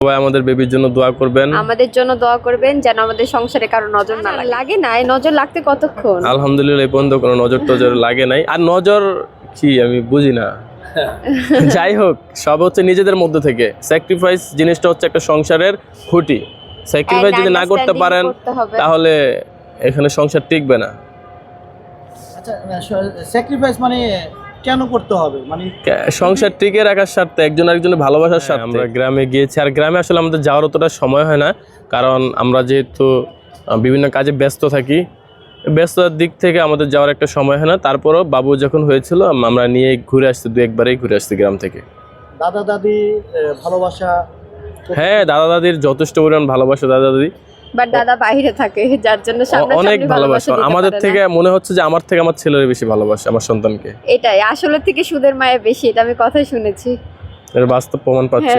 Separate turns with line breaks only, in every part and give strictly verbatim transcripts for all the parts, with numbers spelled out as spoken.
সবাই আমাদের বেবির জন্য দোয়া করবেন,
আমাদের জন্য দোয়া করবেন যেন আমাদের সংসারে কারো নজর না লাগে। লাগে না, এই নজর লাগতে কতক্ষণ?
আলহামদুলিল্লাহ এই পর্যন্ত কোনো নজর টজর লাগে নাই। আর নজর কি আমি বুঝি না। যাই হোক, সব হচ্ছে নিজেদের মধ্যে থেকে। স্যাক্রিফাইস জিনিসটা হচ্ছে একটা সংসারের খুঁটি। স্যাক্রিফাইস যদি না করতে পারেন তাহলে এখানে সংসার টিকবে না।
আচ্ছা, স্যাক্রিফাইস মানে কেন করতে হবে? মানে
সংসার টিকে রাখার স্বার্থে, একজন আরেকজনের ভালোবাসার স্বার্থে। আমরা গ্রামে গিয়েছি, আর গ্রামে আসলে আমাদের যাওয়ার অতটা সময় হয় না, কারণ আমরা যেহেতু বিভিন্ন কাজে ব্যস্ত থাকি, ব্যস্ততার দিক থেকে আমাদের যাওয়ার একটা সময় হয় না। তারপরও বাবু যখন হয়েছিল আমরা নিয়ে ঘুরে আসছি, দু একবারেই ঘুরে আসছি গ্রাম থেকে।
দাদা দাদি ভালোবাসা?
হ্যাঁ, দাদা দাদির যথেষ্ট পরিমাণ ভালোবাসা দাদা দাদি,
বাট দাদা বাইরে থাকে যার জন্য
অনেক ভালোবাসা। আমাদের থেকে মনে হচ্ছে যে আমার থেকে আমার ছেলের বেশি ভালোবাসে আমার সন্তানকে।
এটাই আসলে থেকে সুদের মায়া বেশি, এটা আমি কথাই শুনেছি,
এর বাস্তব প্রমাণ পাচ্ছি।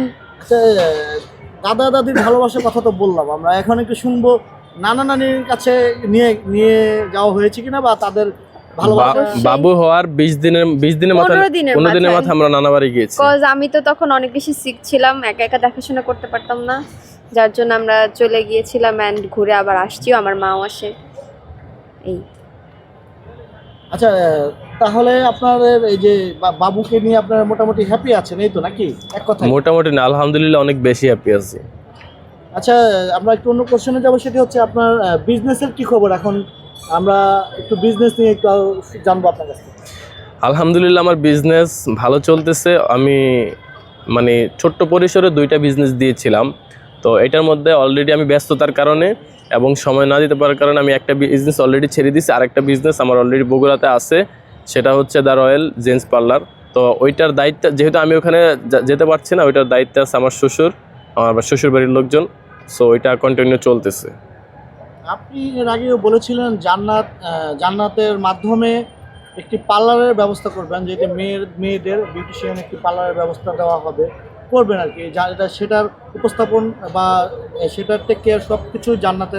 দাদা দাদির ভালোবাসার কথা তো বললাম, আমরা এখন একটু শুনবো নানা নানির কাছে নিয়ে নিয়ে যাওয়া হয়েছে কিনা, বা তাদের
বাবু হওয়ার বিশ দিনের বিশ দিনের মাথায় পনেরো দিনের মাথায় আমরা নানা বাড়ি গিয়েছি।
কজ আমি তো তখন অনেক বেশি সিক ছিলাম, একা একা দেখাশোনা করতে পারতাম না, যার জন্য আমরা চলে গিয়েছিলাম অ্যান্ড ঘুরে আবার আসছিও, আমার মাও আসে। এই
আচ্ছা, তাহলে আপনাদের এই যে বাবুকে নিয়ে আপনারা মোটামুটি হ্যাপি আছেন, এই তো নাকি? এক কথা
মোটামুটি না, আলহামদুলিল্লাহ অনেক বেশি হ্যাপি আছি।
আচ্ছা, আমরা একটু অন্য কোশ্চেনে যাবো, সেটি হচ্ছে আপনার বিজনেসের কি খবর এখন? আমরা একটু বিজনেস নিয়ে একটু জানবো আপনার কাছে।
আলহামদুলিল্লাহ আমার বিজনেস ভালো চলতেছে। আমি মানে ছোট্ট পরিসরে দুইটা বিজনেস দিয়েছিলাম, তো এটার মধ্যে অলরেডি আমি ব্যস্ততার কারণে এবং সময় না দিতে পারার কারণে আমি একটা বিজনেস অলরেডি ছেড়ে দিয়েছি। আরেকটা বিজনেস আমার অলরেডি বগুড়াতে আছে, সেটা হচ্ছে দ্য রয়্যাল জেন্টস পার্লার। তো ওইটার দায়িত্ব যেহেতু আমি ওখানে যেতে পারছি না, ওইটার দায়িত্ব আছে আমার শ্বশুর, আমার শ্বশুর বাড়ির লোকজন। সো ওইটা কন্টিনিউ চলতেছে।
আপনি এর আগেও বলেছিলেন জান্নাত জান্নাতের মাধ্যমে একটি পার্লারের ব্যবস্থা করবেন, যেহেতু মেয়ের মেয়েদের বিউটিশিয়ান একটি পার্লারের ব্যবস্থা দেওয়া হবে, করবেন আর কি। এটা সেটার উপস্থাপন বা সেটার টেক কেয়ার সব কিছু জান্নাতের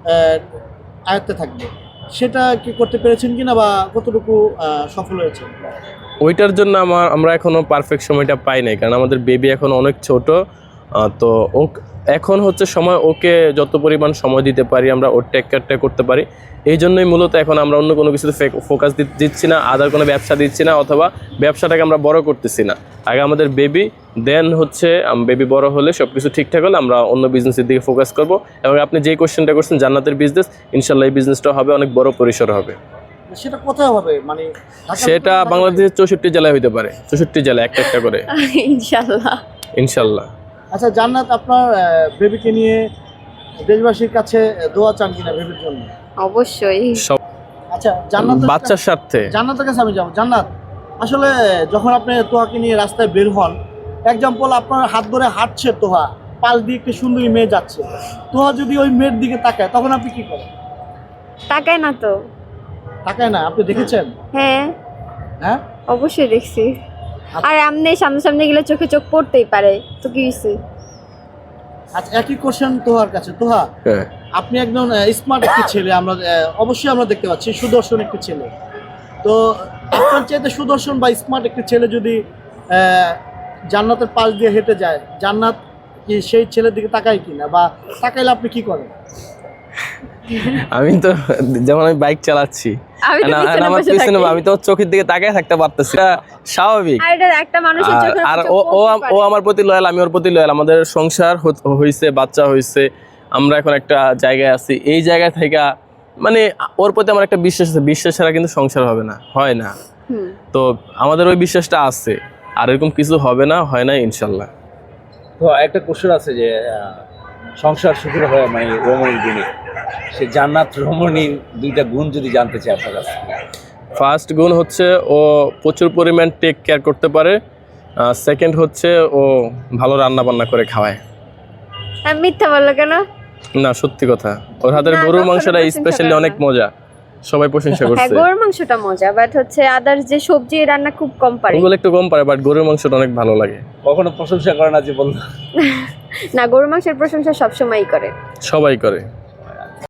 আয়ত্তে থাকবে। সেটা কি করতে পেরেছেন কিনা, বা কতটুকু সফল হয়েছে?
ওইটার জন্য আমার আমরা এখনও পারফেক্ট সময়টা পাই নাই, কারণ আমাদের বেবি এখন অনেক ছোট। তো ও এখন হচ্ছে সময়, ওকে যত পরিমাণ সময় দিতে পারি আমরা ওর টেক কেয়ারটা করতে পারি। এই জন্যই মূলত এখন আমরা অন্য কোনো কিছুতে ফোকাস দিচ্ছি না, আদার কোনো ব্যবসা দিচ্ছি না, অথবা ব্যবসাটাকে আমরা বড় করতেছি না। আগে আমাদের বেবি, দেন হচ্ছে বেবি বড় হলে সব কিছু ঠিকঠাক হলে আমরা অন্য বিজনেসের দিকে ফোকাস করব। এবং আপনি যেই কোশ্চেনটা করছেন জান্নাতের বিজনেস, ইনশাল্লাহ এই বিজনেসটা হবে অনেক বড় পরিসর হবে।
সেটা কোথায় হবে? মানে
সেটা বাংলাদেশের চৌষট্টি জেলায় হইতে পারে, চৌষট্টি জেলা একটা একটা করে
ইনশাল্লাহ
ইনশাল্লাহ। আচ্ছা জান্নাত, আপনার বেবিকে নিয়ে দেশবাসীর কাছে দোয়া চান কিনা বেবির জন্য?
অবশ্যই।
আচ্ছা জান্নাত,
বাচ্চার স্বার্থে
জান্নাতের কাছে আমি যাবো। জান্নাত, আসলে যখন আপনি তোহাকে নিয়ে রাস্তায় বের হন, এক্সাম্পল আপনার হাত ধরে হাঁটছে তোহা, পাশ দিয়ে একটি সুন্দরী মেয়ে যাচ্ছে, তোহা যদি ওই মেয়ের দিকে তাকায় তখন আপনি কি করেন?
তাকায় না তো।
তাকায় না? আপনি দেখেছেন?
হ্যাঁ
হ্যাঁ
অবশ্যই দেখছি। আর আমনে সামনে সামনে গেলে চোখে চোখ পড়তেই পারে, তো কি হইছে?
আচ্ছা, একই কোশ্চেন তোহার কাছে। তোহা, আপনি একজন স্মার্ট একটি ছেলে, আমরা অবশ্যই আমরা দেখতে পাচ্ছি সুদর্শন একটি ছেলে। তো আপনার চাইতে সুদর্শন বা স্মার্ট একটি ছেলে যদি জান্নাতের পাশ দিয়ে হেঁটে যায়, জান্নাত কি সেই ছেলের দিকে তাকায় কিনা, বা তাকাইলে আপনি কি করেন?
আমি তো যেমন আমি বাইক চালাচ্ছি, আমার পিছনে আমি তো চোখের দিকে তাকায় থাকতে পারতেছি, এটা স্বাভাবিক। আর ও ও আমার প্রতি লয়াল, আমি ওর প্রতি লয়াল। আমাদের সংসার হয়েছে, বাচ্চা হয়েছে, আমরা এখন একটা জায়গায় আছি। এই জায়গা থেকে মানে ওর প্রতি আমার একটা বিশ্বাস আছে। বিশ্বাস ছাড়া কিন্তু সংসার হবে না, হয় না। তো আমাদের ওই বিশ্বাসটা আছে, আর এরকম কিছু হবে না, হয় না ইনশাল্লাহ।
তো একটা কোশ্চেন আছে যে সংসার সুখের হয় মানে রমণীর গুণে, সে জান্নাত রমণীর দুইটা গুণ যদি জানতে চাই আপনার কাছে।
ফার্স্ট গুণ হচ্ছে ও প্রচুর পরিমাণ টেক কেয়ার করতে পারে। সেকেন্ড হচ্ছে ও ভালো রান্না বান্না করে খাওয়ায়।
মিথ্যা বললো কেন?
না, সত্যি কথা। ওর হাতের গরুর মাংসটা স্পেশালি অনেক মজা, সবাই প্রশংসা করছে।
হ্যাঁ, গরুর মাংসটা মজা, বাট হচ্ছে আদার্স যে সবজি রান্না খুব কম পারে।
ওগুলো একটু কম পারে, বাট গরুর মাংসটা অনেক ভালো লাগে।
কখনো প্রশংসা করে না যে বললো?
না, গরুর মাংসের প্রশংসা সবসময়ই করে,
সবাই করে।